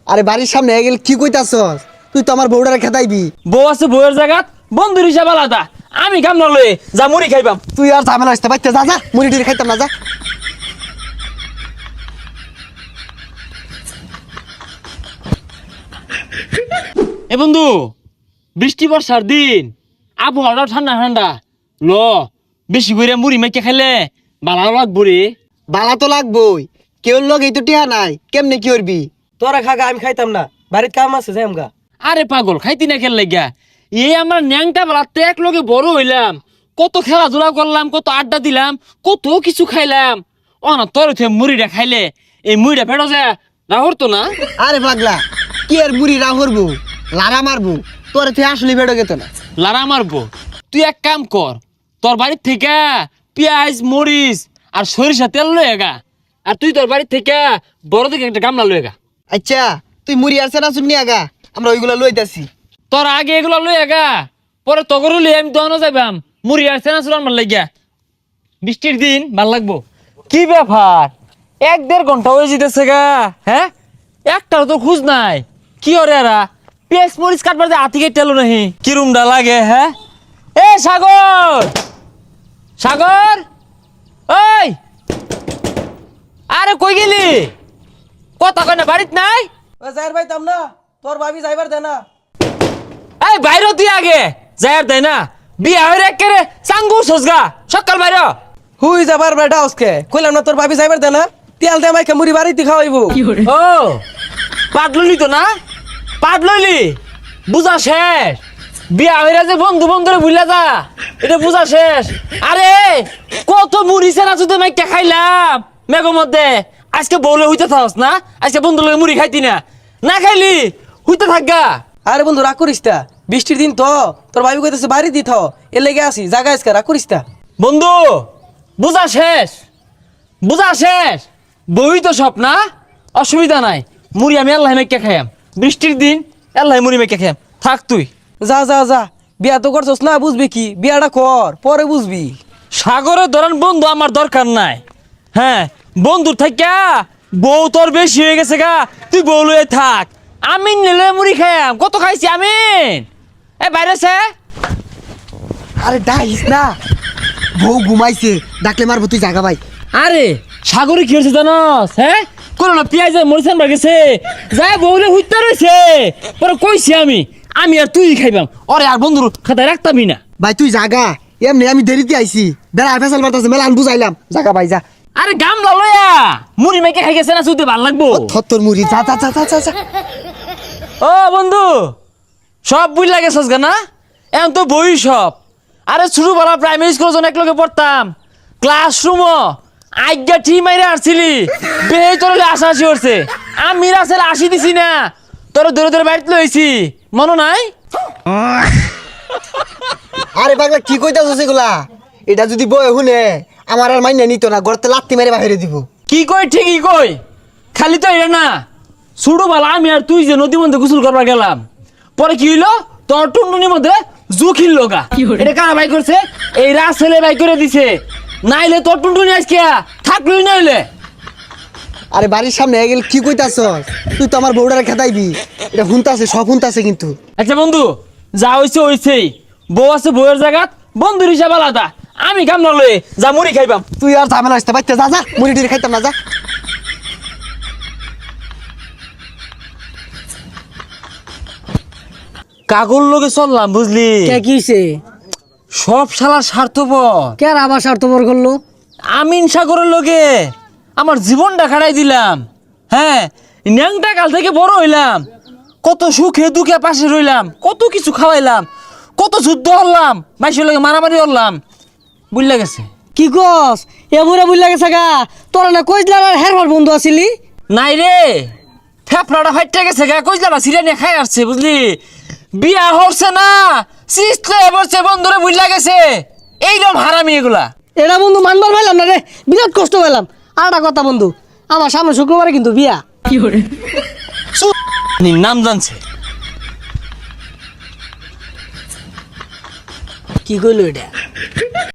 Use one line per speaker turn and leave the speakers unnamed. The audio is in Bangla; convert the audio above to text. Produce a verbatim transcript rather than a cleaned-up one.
আরে বাড়ির সামনে গেল কি কইতাছস? তুই তো আমার বউডারে খেদাইবি।
বউ আছে বউয়ের জায়গাত বন্ধুর হিসাব আলাদা। আমি কাম না লয়ে যা মুড়ি খাইবাম।
তুই আর ঝামেলা আসতে পারতে যা যা মুড়ি টুড়ি খাইতাম না যা।
এ বন্ধু, বৃষ্টি বর্ষার দিন, আবহাওয়াটা ঠান্ডা ঠান্ডা, ল বেশি করে মুড়ি মাইকে খাইলে ভালো লাগবো রে।
বালা তো লাগবই, কেউ লোক এই তো টিহা নাই, কেমনে কি করবি?
তোরা খাগা আমি খাইতাম না, বাড়ির কাম আছে যাই আমগা।
আরে পাগল, খাইতি না খেল লাগিয়া? এই আমরা ন্যাংটা বেলাতে এক লগে বড় হইলাম, কত খেলাধুলা করলাম, কত আড্ডা দিলাম, কত কিছু খাইলাম। ও না তোর মুড়িটা খাইলে এই মুড়িটা ফেটো যায় রাহর তো না।
আরে পাগলা, কি আর মুড়ি রা করবো, লারা মারবো, তোর তুই আসলে বেড়ো গেত না।
লারা মারবো? তুই এক কাম কর, তোর বাড়ির থেকে পেঁয়াজ মরিচ আর সরিষা তেল লয়ে গা, আর তুই তোর বাড়ির থেকে বড় থেকে একটা গামলা লয়ে গা।
আচ্ছা তুই মুড়ি আসছে না শুনি আগা, আমরা ওইগুলা লইতাছি।
তোর আগে এগুলো লয়ে গা, পরে তগরু লই আমি দহনো যাইবাম। মুড়ি আসছে না চুলার মার লাগিয়া, বৃষ্টির দিন ভাল লাগবো। কি ব্যাপার, এক দেড় ঘন্টা হয়ে যেতেছে গা, হ্যাঁ একটাও তো খুঁজ নাই। কি ওরে এরা পেঁয়াজ মরিচ কাটবার যে হাতি কেটে এলো নাহি, কিরুমটা লাগে। হ্যাঁ এ সাগর, সাগর ওই, আরে কই গেলি? কথা কয় না, বাড়িত নাই?
ও যাইর পাইতাম না, তোর ভাবি যাইবার দে না।
এই বাইরে তুই আগে যাই আর দেয় না, বিয়া হয়ে একেবারে চাঙ্গু সজগা সকাল বাইরে।
হুই যাবার বেটা আজকে কইলাম না তোর ভাবি যাইবার দে না, তেল দে মাইকে মুড়ি বাড়িতে খাওয়াইবো।
ও পাট লইলি তো না, পাট লইলি, বুঝা শেষ। বিয়া হইরা যে বন্ধু বন্ধুরে ভুলা যা, এটা বুঝা শেষ। আরে কত মুড়ি সেনা শুধু মাইকা খাইলাম মেঘর মধ্যে, আজকে বউলে হইতে থাকস না, আজকে বন্ধু লগে মুড়ি খাইতি না, না খাইলি হইতে থাকগা।
আরে বন্ধু রাগ করিস তা, বৃষ্টির দিন তো তোর ভাবি কইতেছে বাড়ি দি থাও, এর লেগে আসি জায়গা আজকে রাগ করিস তা।
বন্ধু বুঝা শেষ, বুঝা শেষ, বই তো সব না, অসুবিধা নাই। মুড়ি আমি আল্লাহ মেকে খাইয়াম, বৃষ্টির দিন আল্লাহ মুড়ি মেকে খাইয়াম, থাক তুই।
যা যা যা, বিয়া তো করছস না, বুঝবি কি, বিয়াটা কর পরে বুঝবি।
সাগরের ধরেন বন্ধু আমার দরকার নাই। হ্যাঁ বন্ধুর থাকা বউ তোর বেশি হয়ে গেছে গা, তুই বউ লয়ে থাক, আমি নিলে মুড়ি খাইয়াম। কত খাইছি আমি, এ বাইরে সে।
আরে ডাইস না, বউ ঘুমাইছে, ডাকলে মারবো, তুই জাগা ভাই।
আরে সাগরে কি হয়েছে জানস? হ্যাঁ কোনো না পেঁয়াজ মরিচান গেছে, যাই বউলে হুইতে রয়েছে, পরে কইছি আমি আমি আর তুই খাইবাম, ওরে আর বন্ধুর খাতায় রাখতামই না।
ভাই তুই জাগা, এমনি আমি দেরিতে আইছি, বেড়া ফেসাল মারতাছে, মেলা আমি বুঝাইলাম, জাগা ভাই যা।
আরে গামলা লয়া মুড়ি মেকে খাই গেছে না, শুধু ভাল লাগবো।
থত্তর মুড়ি, যা যা যা যা যা।
ও বন্ধু সব বুঝ লাগে সজগা না, এখন তো বই সব। আরে ছোটবেলা প্রাইমারি স্কুল যখন এক লগে পড়তাম, ক্লাসরুম আজ্ঞা ঠিক মাইরে আসছিলি, বেহে তোর আসা আসি করছে, আমি রাসেল আসি দিছি না, তোর দূরে দূরে বাড়িতে লইছি, মনে নাই?
আরে পাগলা কি কইতাছস এগুলা? এটা যদি বই শুনে আমার আর মাইনা নিত না, গড়তে লাত্তি মেরে বাহিরে দিব।
কি কই ঠিকই কই, খালি তো এটা না, ছোটবেলা আমি আর তুই যে নদীর মধ্যে গোসল করবার গেলাম, পরে কি হইলো, তোর টুনটুনির মধ্যে জুখিল লগা। এটা কারা বাই করছে? এই রাসেলে বাই করে দিছে, নাইলে তোর টুনটুনি আজকে থাকলই নাইলে।
আরে বাড়ির সামনে গেল কি কইতাছস? তুই তো আমার বউডারে খেদাইবি, এটা হুনতাছে, সব হুনতাছে কিন্তু।
আচ্ছা বন্ধু যা হইছে হইছেই, বউ আছে বউয়ের জায়গাত, বন্ধুর হিসাব আলাদা, আমি কাম না লয়ে যা মুড়ি খাইবাম।
তুই আর ঝামেলা আসতে পারতে যা যা মুড়ি টুড়ি খাইতাম না যা।
কাগর লগে চললাম বুঝলি,
কে কিছে
সব শালা স্বার্থপর।
কে আবার স্বার্থপর করলো?
আমিন সাগরের লগে আমার জীবনটা খাড়াই দিলাম। হ্যাঁ ন্যাংটা কাল থেকে বড় হইলাম, কত সুখে দুঃখে পাশে রইলাম, কত কিছু খাওয়াইলাম, কত যুদ্ধ হলাম, মাইসের লগে মারামারি হলাম, বুঝলা গেছে।
কি কস এমরে বুঝলা গেছে গা, তোরা না কইলা আর হেরবার বন্ধু আছিলি?
নাই রে, ফেফড়াটা ফাইটে গেছে গা, কইলা সিরিয়া নিয়ে খাই আসছে বুঝলি, বিয়া হচ্ছে না সিস্টে বসছে, বন্ধুরে বুঝলা গেছে। এইরকম হারামি এগুলা।
এটা বন্ধু মানবার পাইলাম না রে, বিরাট কষ্ট পাইলাম। আর একটা কথা বন্ধু, আমার সামনে শুক্রবারে কিন্তু বিয়া। কি করে
নাম জানছে,
কি কইলো এটা?